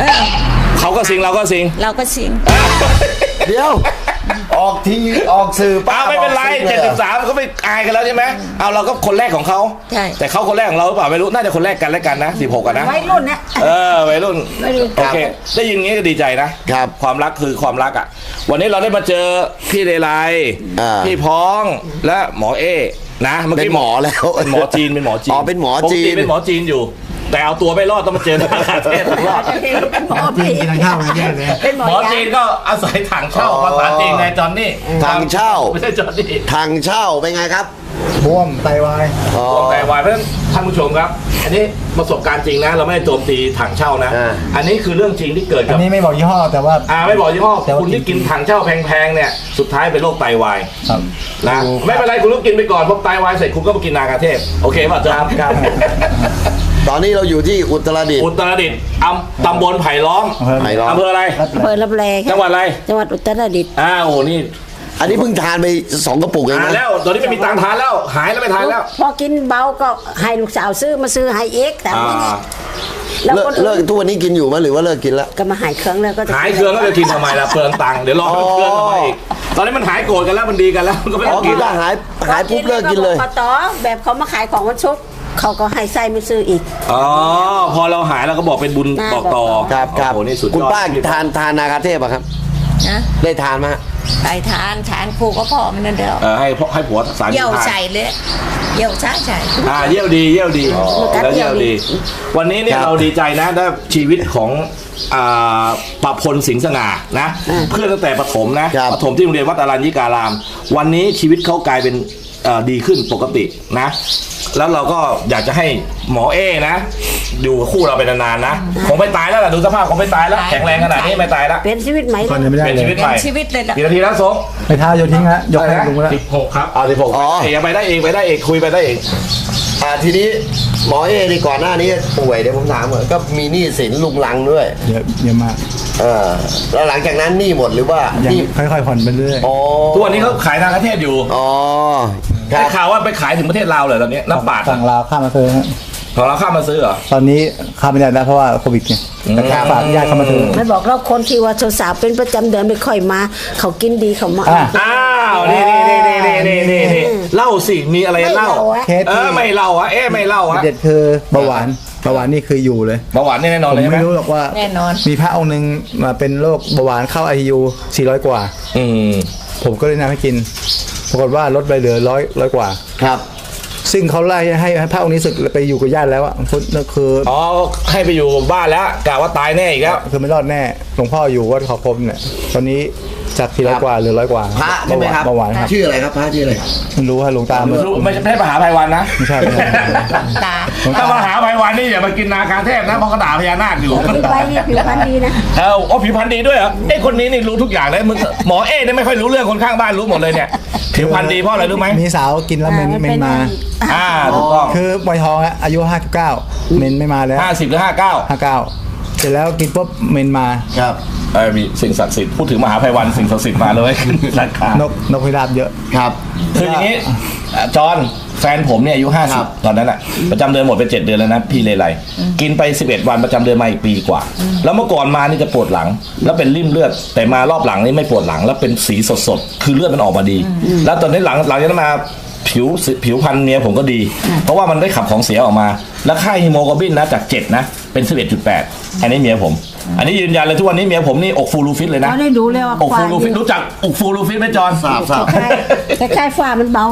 [SPEAKER 2] 16เขาก็ซิงเราก็ซิง
[SPEAKER 5] เราก็สิง
[SPEAKER 3] เดี๋ยว ออกทีออกสื่อ
[SPEAKER 2] ป้าไม่เป็นไร
[SPEAKER 3] บอกสิ่งลยหอ
[SPEAKER 2] 73ก็ไม่อายกันแล้วใช่ไหมเอาเราก็คนแรกของเขา
[SPEAKER 5] ใช่
[SPEAKER 2] แต่เขาคนแรกของเราหรือเปล่าไม่รู้น่าจะคนแรกกันแล้วกันนะ16กันนะ
[SPEAKER 6] วัยรุ่นนะ
[SPEAKER 2] วัยรุ่น
[SPEAKER 6] วัยรุ่น
[SPEAKER 2] โอเคได้ยินงี้ก็ดีใจนะครับ ความรักคือความรักอ่ะวันนี้เราได้มาเจอพี่เลไล
[SPEAKER 3] อ่า
[SPEAKER 2] พี่พ้องและหมอเอนะเมื่อ
[SPEAKER 3] เป็น
[SPEAKER 2] กี้
[SPEAKER 3] หมอแล้ว
[SPEAKER 2] เป็นหมอจีนเป็นหมอจีน
[SPEAKER 3] อ๋อเป็นหมอจีน
[SPEAKER 2] ปกติเป็นหมอจีนอยู่ แต่เอาตัวไม่รอดต้องมาเจอทางประเทศรอด
[SPEAKER 6] เป็นหมอ
[SPEAKER 4] กินทางข้าวมันแย่เลย
[SPEAKER 6] เป็นหมอ
[SPEAKER 2] หมอจีนก็อาศัยถังเช่าภาษาจีนไงจอนนี่
[SPEAKER 3] ถังเช่า
[SPEAKER 2] ไม่ใช่จอนนี่
[SPEAKER 3] ทางเช่าเป็นไงครับ
[SPEAKER 4] บวมไตวาย
[SPEAKER 3] อ๋อ
[SPEAKER 2] วงแต่วายเพราะฉะนั้นท่านผู้ชมครับ อันนี้ประสบการณ์จริงนะ เราไม่ได้โจมตีถังเช่านะ
[SPEAKER 3] อ่า
[SPEAKER 2] อันนี้คือเรื่องจริงที่เกิด
[SPEAKER 4] อั
[SPEAKER 2] กับ
[SPEAKER 4] นนี้ไม่บอกยี่ห้อแต่ว่า
[SPEAKER 2] ไม่บอกยี่ห้อ
[SPEAKER 4] แต่ว่า
[SPEAKER 2] คุณที่กินถังเช่าแพงๆเนี่ยสุดท้ายเป็นโรคไตวาย
[SPEAKER 4] ครับ
[SPEAKER 2] นะไม่เป็นไรคุณต้องกินไปก่อนพอไตวายเสร็จคุณก็มากินนากาเทพโอเคป่ะจ๊ะ
[SPEAKER 4] ครับ
[SPEAKER 3] ตอนนี้เราอยู่ที่อุตรดิตถ์
[SPEAKER 2] อุตรดิตถ์ตำบลไผ่ล้อม
[SPEAKER 3] ไผ่ล้อม
[SPEAKER 2] อำเภออะไร
[SPEAKER 6] อำเภอรับแล
[SPEAKER 2] จังหวัดอะไร
[SPEAKER 6] จังหวัดอุตรดิตถ์
[SPEAKER 2] โอ้โหนี่
[SPEAKER 3] อันนี้เพิ่งทานไป2 กระปุกเอง
[SPEAKER 2] หาย
[SPEAKER 3] นะ
[SPEAKER 2] แล้วตอนนี้ไม่มีตังค์ทานแล้วหายแล้วไม่ทานแล้ว
[SPEAKER 6] พอกินเบาก็ให้ลูกสาวซื้อมาซื้อให้เอกแต่
[SPEAKER 2] อ่า
[SPEAKER 6] ไม่เนี่ยแล้ว
[SPEAKER 3] เลิก
[SPEAKER 6] คน
[SPEAKER 3] เลิกทุกวันนี้กินอยู่ไหมหรือว่าเลิกกินแล้ว
[SPEAKER 6] ก็มาหายเครื่องแล้วก็จะ
[SPEAKER 2] หายเครื่องก็จะกินทำไมล่ะเปลืองตังค์เดี๋ยวรอเครื่องมาอีกตอนนี้มันหายโกรธกันแล้วมันดีกันแล้วมันก็ไม่
[SPEAKER 3] อ๋อ
[SPEAKER 2] ต้อง
[SPEAKER 3] กิ
[SPEAKER 2] กิ
[SPEAKER 3] น
[SPEAKER 2] น
[SPEAKER 3] แล้วหายปุ๊บเลิกกินเลย
[SPEAKER 6] ปต่อแบบเขามาขายของวันชุกร์เขาก็ให้ไส้มาซื้ออีก
[SPEAKER 2] อ๋อพอเราหายเราก็บอกเป็นบุญ
[SPEAKER 6] น่า
[SPEAKER 2] บอกต่อ
[SPEAKER 3] ครับครับ
[SPEAKER 2] โอ้โหนี่สุดยอด
[SPEAKER 3] คุณป้าทานนาคาเทพอะครับ
[SPEAKER 5] นะ
[SPEAKER 3] ได้ทานไหมฮะ
[SPEAKER 5] ไปทานครูก็พอมันนั่นเดียว
[SPEAKER 2] ให้ผัวสาร
[SPEAKER 5] เยี่ยว
[SPEAKER 2] ทาน
[SPEAKER 5] ใส่เลยเยี่ยวใส่
[SPEAKER 2] เยี่ยวดีแล้วเยี่ยวดี วันนี้เนี่ย
[SPEAKER 3] ครับ
[SPEAKER 2] เราดีใจนะได้ชีวิตของประพลสิงห์สง่านะเพื่อนตั้งแต่ประถมนะครับ ประถมที่โรงเรียนวัดอรัญญิการาม วันนี้ชีวิตเขากลายเป็นดีขึ้นปกตินะ แล้วเราก็อยากจะให้หมอเอนะอยู่กับคู่เราไปนานๆนะคงไม่ตายแล้วล่ะดูสภาพคงไม่ตายแล้วแข็งแรงขนาดนี้ไม่ตายแล้ว
[SPEAKER 6] เป็นชีวิตใหม่
[SPEAKER 4] คนยังไม่ได้
[SPEAKER 2] เป็น
[SPEAKER 4] เล
[SPEAKER 2] ชีวิ
[SPEAKER 4] ย
[SPEAKER 2] ตใหม่
[SPEAKER 5] เป็นชีวิตเลยล่ะ
[SPEAKER 2] กี่นาทีแล้วโซ
[SPEAKER 4] ไปเท้าโยนทิ้งฮะยกให้ลุงแล้ว
[SPEAKER 2] 16ครับ16
[SPEAKER 3] อ๋อ
[SPEAKER 2] เอกไปได้เองคุยไปได้เอง
[SPEAKER 3] ทีนี้หมอเอนี่ก่อนหน้านี้ป่วยเดี๋ยวผมถามก่อนก็มีหนี้สินลุงลังด้วย
[SPEAKER 4] เยอะมาก
[SPEAKER 3] แล้วหลังจากนั้นหนี้หมดหรือว่า
[SPEAKER 4] ยัง
[SPEAKER 3] หนี้
[SPEAKER 4] ค่อยๆผ่อนไปเรื่อย
[SPEAKER 3] อ๋อ
[SPEAKER 2] ทุกวันนี้เขาขายทางประเทศอยู่
[SPEAKER 3] อ๋อค
[SPEAKER 2] ได้
[SPEAKER 3] รับ
[SPEAKER 2] ข่าวว่าไปขายถึงประเทศลาวเลยตอนนี้น้ำปาด
[SPEAKER 4] สั่งลาวข้ามมาซื้อฮะ
[SPEAKER 2] ของเราข้ามมาซื้อเหรอ
[SPEAKER 4] ตอนนี้ข้ามไม่ได้แล้วเพราะว่าโควิดไงแต่ข้ามฝากญาติเข้ามาซื้อ
[SPEAKER 6] ไม่บอกเราคนที่ว่าสาวๆเป็นประจำเดือนไม่ค่อยมา เขากินดีเขามา
[SPEAKER 4] อ่ะ
[SPEAKER 2] อ้าวนี่เล่าสิมีอะไร
[SPEAKER 6] ไม่
[SPEAKER 2] เล่า
[SPEAKER 6] เราอะ
[SPEAKER 4] เคสที่
[SPEAKER 2] ไม่เล่าอะไม่เล่าอะ
[SPEAKER 4] เด็ดคือเบาหวานนี่คืออยู่เลย
[SPEAKER 2] เบาหวานนี่แน่นอน
[SPEAKER 4] ผม
[SPEAKER 2] เลยใช่ไหม
[SPEAKER 4] ไม่รู้หรอกว่า
[SPEAKER 5] แน่นอน
[SPEAKER 4] มีพระองค์หนึ่งมาเป็นโรคเบาหวานเข้า ICU 400 กว่า
[SPEAKER 2] อืม
[SPEAKER 4] ผมก็เลยนำให้กิน ปรากฏว่าลดไปเหลือ100 กว่า
[SPEAKER 3] ครับ
[SPEAKER 4] ซึ่งเขาไล่ให้พระองค์นี้ศึกไปอยู่กับญาติแล้วอ่ะนั่นคือ
[SPEAKER 2] อ๋อให้ไปอยู่บ้านแล้วกะว่าตายแน่อีกแล้ว
[SPEAKER 4] คือไม่รอดแน่หลวงพ่ออยู่วัดเขาคมเนี่ยตอนนี้จาก400 กว่าเหลือ100 กว่า
[SPEAKER 3] พระใช่ไหมครับ
[SPEAKER 4] เบาหวานครับ
[SPEAKER 3] ชื่ออะไรครับพระชื่ออะไร
[SPEAKER 4] ไม่รู้ว่าหลวงตามัน
[SPEAKER 2] ไม่ใช่มหาภัยวันนะ
[SPEAKER 4] ไม่ใช่
[SPEAKER 5] ตา
[SPEAKER 2] ถ้ามหาภัยวันนี่อย่ามากินนาคาเทพนะเพราะเขาด่าพญานาคอยู่
[SPEAKER 6] ผิวไปนี่ผิวพรรณดีนะ
[SPEAKER 2] ผิวพรรณดีด้วยเหรอคนนี้นี่รู้ทุกอย่างเลยมึงหมอเนี่ยไม่ค่อยรู้เรื่องคนข้างบ้านรู้หมดเลยเนี่ยผิวพรรณดีเพราะอะไรรู้ไหม
[SPEAKER 4] มีสาวกินแล้วเมนมา
[SPEAKER 2] ถูกต้อง
[SPEAKER 4] คือวัยทองอะอายุ59เมนไม่มาแล้ว
[SPEAKER 2] 50หรือ59
[SPEAKER 4] 59เสร็จแล้วกินปุ๊บเมนมา
[SPEAKER 3] ครับ
[SPEAKER 2] มีสิ่งศักดิ์สิทธิ์พูดถึงมหาภัยวันสิ่งศักดิ์สิทธิ์มาเลยราคาน
[SPEAKER 4] กพิราบเยอะ
[SPEAKER 3] ครับ
[SPEAKER 2] คืออย่างนี้จอห์นแฟนผมเนี่ยอายุ
[SPEAKER 3] ครับ
[SPEAKER 2] 50ตอนนั้นอ่ะประจำเดือนหมดไป7 เดือนแล้วนะพี่เลไลกินไป11 วันประจำเดือนมาอีกปีกว่า แล้วเมื่อก่อนมานี่จะปวดหลัง แล้วเป็นริ่มเลือดแต่มารอบหลังนี่ไม่ปวดหลัง แล้วเป็นสีสดๆคือเลือดมันออกมาดี แล้วตอนนี้หลังจากนั้นมาผิวพรรณเมียผมก็ดี เพราะว่ามันได้ขับของเสียออกมา แล้วค่าฮีโมโกลบินนะจาก7นะเป็น 11.8 อันนี้เมียผม อันนี้ยืนยันเลยทุกวันนี้เมียผมนี่อกฟูรูฟิตเลยนะ
[SPEAKER 6] เราได้รู้แล้วว่า
[SPEAKER 2] อกฟูรูฟิตรู้จักอกฟูรูฟิตไหมจอห์น
[SPEAKER 3] ทราบ
[SPEAKER 6] คล้ายๆฝ้ามันเบาอะ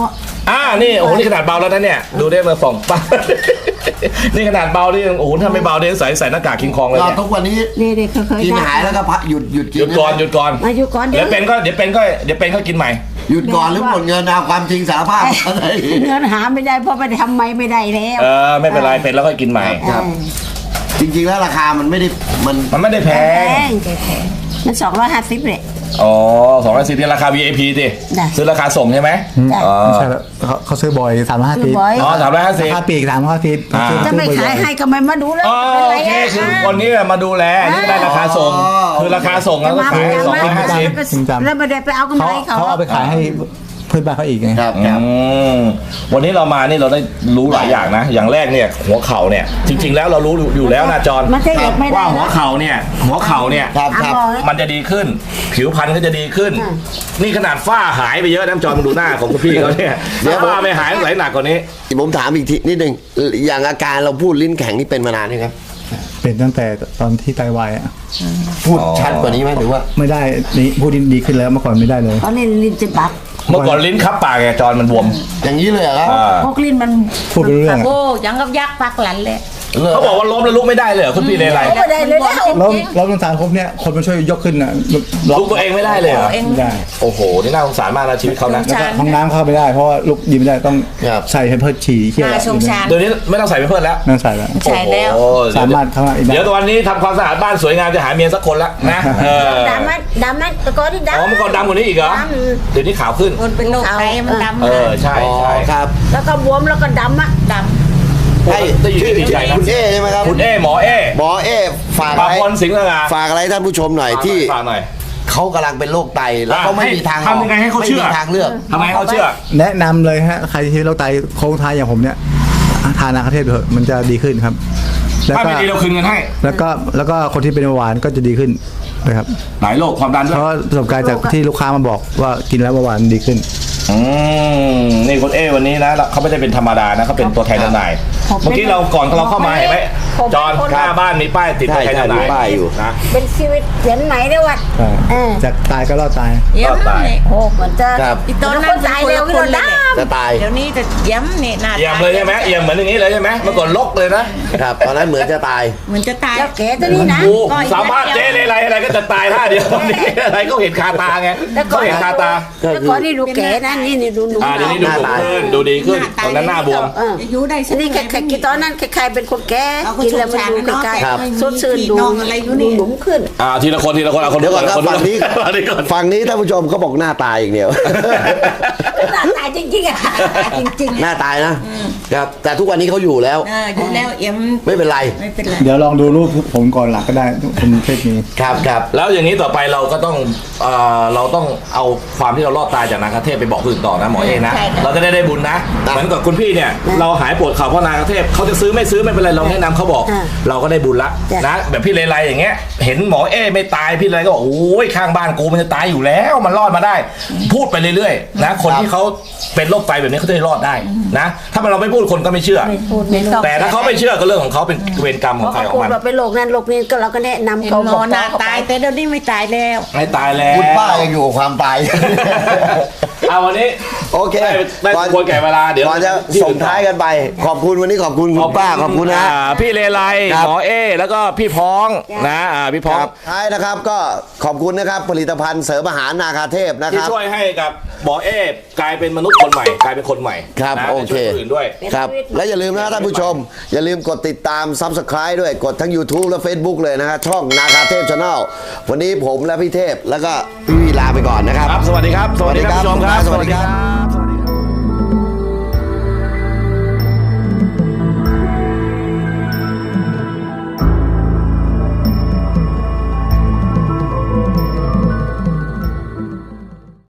[SPEAKER 2] นี่โอ้โหนี่ขนาดเบาแล้วนะเนี่ยดูได้มาส่องปั๊บ นี่ขนาดเบานี่โอ้โหถ้าไม่เบาเนี่ยใส่หน้ากากคิงคองเลย
[SPEAKER 3] ก็
[SPEAKER 2] เนี่ย
[SPEAKER 3] ทุกวันนี้
[SPEAKER 6] นี่เขาเคย
[SPEAKER 3] กิน
[SPEAKER 6] ได้
[SPEAKER 3] หายแล้วก็พักหยุดกิน
[SPEAKER 2] หยุดก่อนหยุดก่อน
[SPEAKER 6] มาอยู่ก่อน
[SPEAKER 2] เดี๋ยวเป็นก็กินใหม่
[SPEAKER 3] หยุดก่อนหรือหมดเงินเอาความจริงสารภาพอะไร
[SPEAKER 6] เงินหาไม่ได้เพราะไปทำไม่ได้แล้ว
[SPEAKER 2] ไม่เป็นไรเป็นแล้วก็กินใหม่
[SPEAKER 3] ครับ จริงๆแล้วราคามันไม่ได้มัน
[SPEAKER 2] มันไม่ได้แพ
[SPEAKER 6] แพ
[SPEAKER 2] ง
[SPEAKER 6] งมัน250เลย
[SPEAKER 2] อ๋อ210ที่ราคา VIP ดิ
[SPEAKER 6] ได้
[SPEAKER 2] ซื้อราคาส่งใช่ไหม
[SPEAKER 6] จ้ะ
[SPEAKER 2] อ๋อ
[SPEAKER 4] ไม่ใช่แล้วเขาซื้อบ่อย350
[SPEAKER 6] ซื้อบ่อย
[SPEAKER 2] อ๋อ350
[SPEAKER 4] ราคาปีก350
[SPEAKER 2] อ่า
[SPEAKER 6] จะไม่ขายให้ก็ไม่มาดูแล้ว
[SPEAKER 2] อ๋อ
[SPEAKER 6] เป็นไร
[SPEAKER 2] โอเค
[SPEAKER 6] อะ
[SPEAKER 2] คือคนนี้มาดูแลนี่ได้ราคาส่ง คือราคาส่งแล้วก็ขาย
[SPEAKER 6] จะมา
[SPEAKER 2] 250
[SPEAKER 6] แล้วไม่ได้ไปเอากำไรเขา
[SPEAKER 4] เขาเอาไปขายให้เพื่อนบ้านเขาอีกไง
[SPEAKER 3] ครับ
[SPEAKER 2] วันนี้เรามานี่เราได้รู้หลายอย่างนะ อย่างแรกเนี่ยหัวเข่าเนี่ยจริง ๆ แล้วเรารู้อยู่แล้วนะจอน
[SPEAKER 6] มันจะเหยียบไม่ได้
[SPEAKER 2] ว่าหัวเข่าเนี่ย
[SPEAKER 3] ครับครับ
[SPEAKER 2] มันจะดีขึ้น ผิวพรรณก็จะดีขึ้น นี่ขนาดฝ้าหายไปเยอะนะจอนมึงดูหน้าของคุณพี่เขาเนี่ย
[SPEAKER 3] เดี๋ยว
[SPEAKER 2] ฝ้าไม่หายไหลหนักกว่านี้
[SPEAKER 3] ผมถามอีกทีนิดนึงอย่างอาการเราพูดลิ้นแข็งนี่เป็นมานานไหมครับ
[SPEAKER 4] เป็นตั้งแต่ตอนที่ไตวายอ่ะ
[SPEAKER 3] พูดชัดกว่านี้ไหมหรือว่า
[SPEAKER 4] ไม่ได้นี่พูดดีขึ้นแล้วเมื่อก่อนไม่ได้เลย
[SPEAKER 6] ตอนนี้ลิ้นจะบัก
[SPEAKER 2] เมื่อก่อนลิ้นคับปากไงจอนมันบวม
[SPEAKER 3] อย่างนี้เลยเหรอครับ
[SPEAKER 6] พวกลิ้นมัน
[SPEAKER 4] พูดไปเรื่อย
[SPEAKER 5] โอ้ยังกับยักษ์ปักหลันเลย
[SPEAKER 2] เขาบอกว่าล้มแล้วลุกไม่ได้เลยเหรอคุณพี่เลไร
[SPEAKER 6] ไม่ได้เลยแล้ว
[SPEAKER 4] แล้วน้ำตาลครบเนี่ยคนมาช่วยยกขึ้นอ่ะ
[SPEAKER 2] ลุกตัวเองไม่ได้เลยเหรอ
[SPEAKER 5] เอง
[SPEAKER 4] ไม่ได้
[SPEAKER 2] โอ้โหนี่น่าสงสารมากนะชีวิตเขานะ
[SPEAKER 5] สงสาร
[SPEAKER 4] ห้องน้ำเข้าไม่ได้เพราะว่าลุกยืนไม่ได้ต้อง
[SPEAKER 3] ครับ
[SPEAKER 4] ใส่ให้เพิดฉี่เขี้ยว
[SPEAKER 5] น่าสงสาร
[SPEAKER 2] เดี๋ยวนี้ไม่ต้องใส่ไปเพิ่มแล้ว
[SPEAKER 4] นั่นใส่แล้ว
[SPEAKER 5] ใช่แล้ว
[SPEAKER 2] โอ้โห
[SPEAKER 4] สามารถเข้ามาอีกได้
[SPEAKER 2] เดี๋ยวตอนนี้ทำความสะอาดบ้านสวยงามจะหาเมียสักคนละนะ
[SPEAKER 6] ดำมันตะกอนที่ดำ
[SPEAKER 2] อ๋อเมื่อก่อนดำกว่านี้อีกเหรอเดี๋ยวนี้ขาวขึ้น
[SPEAKER 5] คนเป็นโรคไตมันดำ
[SPEAKER 2] ใช่
[SPEAKER 3] อ๋อ
[SPEAKER 2] ใช่
[SPEAKER 3] ครับ
[SPEAKER 6] แล้วก็บวมแล้วก็ดำอ่ะ
[SPEAKER 5] ด
[SPEAKER 3] ให้
[SPEAKER 2] ได้อยู่ที่ติดใจนะ
[SPEAKER 3] คุณเอใช่ไหมครับ
[SPEAKER 2] คุณเอหมอเอ
[SPEAKER 3] หมอเอฝาก
[SPEAKER 2] ปรา
[SPEAKER 3] อะ
[SPEAKER 2] บ
[SPEAKER 3] ไร
[SPEAKER 2] พลสิงห์สง่า
[SPEAKER 3] ฝากอะไรท่านผู้ชมหน่อยที่
[SPEAKER 2] ฝากหน่อย
[SPEAKER 3] เขากำลังเป็นโรคไตแล้วเขาไม่มีทางออก
[SPEAKER 2] ทำยังไงให้เขาเชื่อ
[SPEAKER 3] ไม่มีทางเลือก
[SPEAKER 2] ทำไมเขาเชื่อ
[SPEAKER 4] แนะนำเลยฮะใครที่เป็นโรคไตโค้งท้ายอย่างผมเนี่ยทานนาคาเทพเถอะมันจะดีขึ้นครับ แล้ว
[SPEAKER 2] ถ้า
[SPEAKER 4] ก็
[SPEAKER 2] ไม่ดีเราคืนเงินให้
[SPEAKER 4] แล้วก็คนที่เป็นเบาหวานก็จะดีขึ้นนะครับ
[SPEAKER 2] หลายโรคความดันด้ว
[SPEAKER 4] เพ
[SPEAKER 2] ย
[SPEAKER 4] ราะประสบการณ์จากที่ลูกค้ามาบอกว่ากินแล้วเบาหวานดีขึ้น
[SPEAKER 2] นี่คุณเอวันนี้นะเขาไม่ได้เป็นธรรมดานะเขาเป็นตัวแทนจำหน่าย เมื่อกี้เราก่อนเราเข้ามาเห็นไหมจอนหน้าบ้านมีป้ายติดตัวแทนจำหน่าย
[SPEAKER 3] ใช่มีป้ายอยู่
[SPEAKER 2] นะ
[SPEAKER 6] เป็นชีวิตเขียนไหนได้วะ
[SPEAKER 4] จากตายก็รอดตาย
[SPEAKER 5] ำเยี่ยม
[SPEAKER 2] ตาย
[SPEAKER 5] เนี่ย
[SPEAKER 6] โอ้มันจะ
[SPEAKER 3] ครับ
[SPEAKER 5] อีตอนนั้น
[SPEAKER 6] ตายเร็ว
[SPEAKER 5] คน
[SPEAKER 6] คน
[SPEAKER 5] เลย
[SPEAKER 6] ด
[SPEAKER 3] จะตาย
[SPEAKER 5] เดี๋ยวนี้จะเยี่ยมเนี่ยหน้า
[SPEAKER 2] เอี่ยมเลยใช่ไหมเอี่ยมเหมือนอย่างนี้เลยใช่ไหมเมื่อก่อนลกเลยนะครับ
[SPEAKER 3] ตอนนั้นเหมือนจะตาย
[SPEAKER 5] เหมือนจะตาย
[SPEAKER 6] แล้วแกตัวนี้นะ
[SPEAKER 2] กูสามารถเจ๊เลยอะไรก็จะตายท่าเดียวนี่อะไรก็เห็นคาตาไงก็เห็นคาตา
[SPEAKER 3] ก็
[SPEAKER 6] แต่
[SPEAKER 3] คือ
[SPEAKER 6] ก่อนนี่ดูแกนะนี่ดูหนู
[SPEAKER 2] เดี๋ยวนี้ดูสมขึ้นดูดีขึ้นตอนนั้นหน้าบวม
[SPEAKER 5] อายุได้
[SPEAKER 6] นี่แค่กินตอนนั้นใครเป็นคนแก่
[SPEAKER 5] เอาก็
[SPEAKER 6] กินแล้วมัน
[SPEAKER 5] สง
[SPEAKER 6] ดู
[SPEAKER 5] สาร
[SPEAKER 6] ใกล้
[SPEAKER 5] เนาะ
[SPEAKER 6] ๆสดชื่นดู
[SPEAKER 5] น้องอะไรอยู่นี่
[SPEAKER 6] หนุ่มขึ้น
[SPEAKER 2] ทีละคนเอาคน
[SPEAKER 3] เดี๋ยวก่อนครับ
[SPEAKER 2] คน
[SPEAKER 3] ฝั่งนี้
[SPEAKER 2] ฝั่งนี้ก่อน
[SPEAKER 3] ฝั่งนี้ท่านผู้ชมเขาบอกหน้าตายอย่างเดียว
[SPEAKER 6] หน้าตายจริงๆอ่ะจริง
[SPEAKER 3] หน้าตายนะครับแต่ทุกวันนี้เขาอยู่แล้ว
[SPEAKER 5] อยู่แล้วเอี่ยม
[SPEAKER 3] ไม่เป็นไร
[SPEAKER 5] ไม่เป็นไร
[SPEAKER 4] เดี๋ยวลองดูรูปผมก่อนหลังก็ได้คุณเทพมี
[SPEAKER 3] ครับครับ
[SPEAKER 2] แล้วอย่างนี้ต่อไปเราก็ต้องเราต้องเอาความที่เรารอดตายจากนาคาเทพไปบอกคนอื่นต่อนะหมอเองนะ
[SPEAKER 5] ใช่ค่ะ
[SPEAKER 2] เราจะได้บุญนะเหมือนกับคุณพี่เนี่ยเราหายปวดเข่าเพราะนาคาเทพเขาจะซื้อไม่ซื้อไม่เป็นไรเราแนะนำเขาบอก เราก็ได้บุญละนะแบบพี่เลไลอย่างเงี้ยเห็นหมอเอไม่ตายพี่เลไลก็บอกโอ้ยข้างบ้านกูมันจะตายอยู่แล้วมันรอดมาได้ พูดไปเรื่อยๆนะคนที่เขาเป็นโรคไตแบบนี้เขาจะได้รอดได้นะถ้าเราไม่พูดคนก็ไม่เชื่อ
[SPEAKER 6] ๆพูดไม่ต้อง
[SPEAKER 2] แต่ถ้าเขาไม่เชื่อก็เรื่องของเขาเป็นเวรกรรมของใครของ
[SPEAKER 6] พูด
[SPEAKER 2] มัน
[SPEAKER 6] ว่าเป็นโรคนั้นโรคนี้ก็เราก็แนะนำ
[SPEAKER 5] เห็น
[SPEAKER 6] เขา
[SPEAKER 5] หม
[SPEAKER 6] บอ
[SPEAKER 5] อก หน้าตายแต่เดี๋ยวนี้ไม่ตายแล้ว
[SPEAKER 2] ให้ตายแล้ว
[SPEAKER 3] คุณป้ายังอยู่กับความตาย
[SPEAKER 2] เอาวันนี้
[SPEAKER 3] โอเค
[SPEAKER 2] ได้ควรแก่เวลาเดี๋ยว
[SPEAKER 3] ก่อนจะส่งท้ายกันไป ขอบคุณวันนี้ขอบคุณคุณป้าขอบคุณนะ
[SPEAKER 2] พี่เลไล
[SPEAKER 3] ครับ
[SPEAKER 2] หมอเอแล้วก็พี่พ้องนะพี่พ้อง
[SPEAKER 3] ท้ายนะครับก็ขอบคุณนะครับผลิตภัณฑ์เสริมอาหารนาคาเทพนะค
[SPEAKER 2] ที่
[SPEAKER 3] รับ
[SPEAKER 2] ช่วยให้กับหมอเอกลายเป็นมนุษย์คนใหม่กลายเป็นคนใหม่
[SPEAKER 3] ครับ
[SPEAKER 2] นะ
[SPEAKER 3] โอเค
[SPEAKER 2] ช่วยคนอื่นด้วย
[SPEAKER 3] ครับและอย่าลืมนะท่านผู้ชม อย่าลืมกดติดตาม Subscribe ด้วยกดทั้ง YouTube และ Facebook เลยนะฮะช่องนาคาเทพ Channel วันนี้ผมและพี่เทพแล้วก็พี่วีลาไปก่อนนะครับ
[SPEAKER 2] ครับสวัสดีครับ สวัสดีครับผู้ชมครับ
[SPEAKER 3] สวัสดีครับ